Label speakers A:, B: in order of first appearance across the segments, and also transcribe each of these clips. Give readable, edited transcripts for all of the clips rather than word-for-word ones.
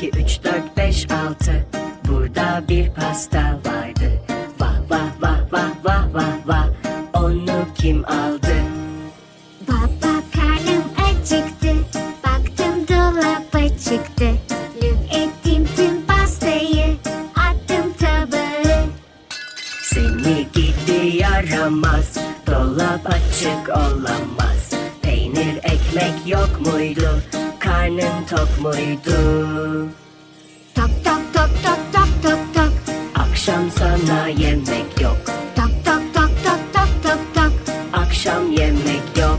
A: 2, 3, 4, 5, 6. Burada bir pasta vardı. Vah vah vah vah vah vah vah. Onu kim aldı?
B: Baba, karnım acıktı. Baktım dolaba çıktı. Lüp ettim tüm pastayı. Attım tabağı.
A: Seni gidi yaramaz. Dolap açık olamaz. Peynir ekmek yok muydu? Karnın tok muydu?
B: Tok tok tok tok tok tok tok.
A: Akşam sana yemek yok.
B: Tok tok tok tok tok tok tok.
A: Akşam yemek yok.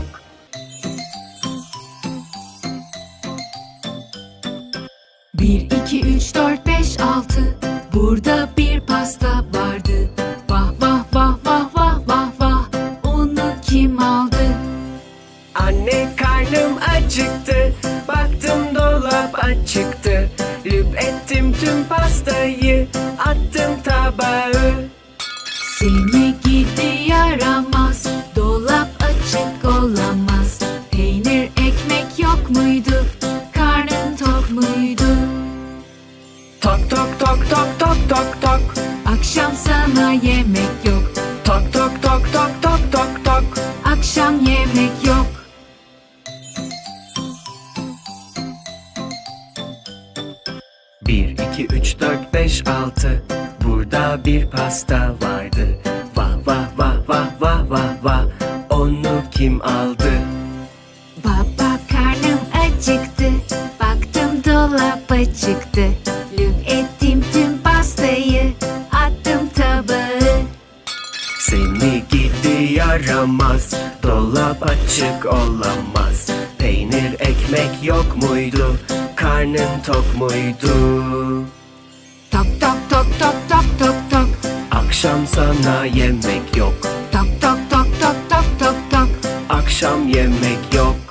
C: Bir, iki, üç, dört, beş, altı. Burada bir pasta vardı. Vah vah vah vah vah vah vah. Onu kim aldı?
A: Anne, karnım acıktı. Baktım dolap açıktı. Lüp ettim tüm pastayı. Attım tabağı.
C: Seni gidi yaramaz. Dolap açık olamaz. Peynir ekmek yok muydu? Karnın tok muydu?
A: Tok tok tok tok tok tok tok.
C: Akşam sana yemek yok.
A: Tok tok tok tok tok tok tok.
C: Akşam yemek yok.
A: Bir, iki, üç, dört, beş, altı. Burada bir pasta vardı. Vah vah vah vah vah vah vah. Onu kim aldı?
B: Baba, karnım acıktı. Baktım dolaba çıktı. Lüp ettim tüm pastayı. Attım tabağı.
A: Seni gidi yaramaz. Dolap açık olamaz. Peynir ekmek yok muydu? Karnın tok muydu?
B: Tok tok tok tok tok tok tok.
A: Akşam sana yemek yok.
B: Tok tok tok tok tok tok tok.
A: Akşam yemek yok.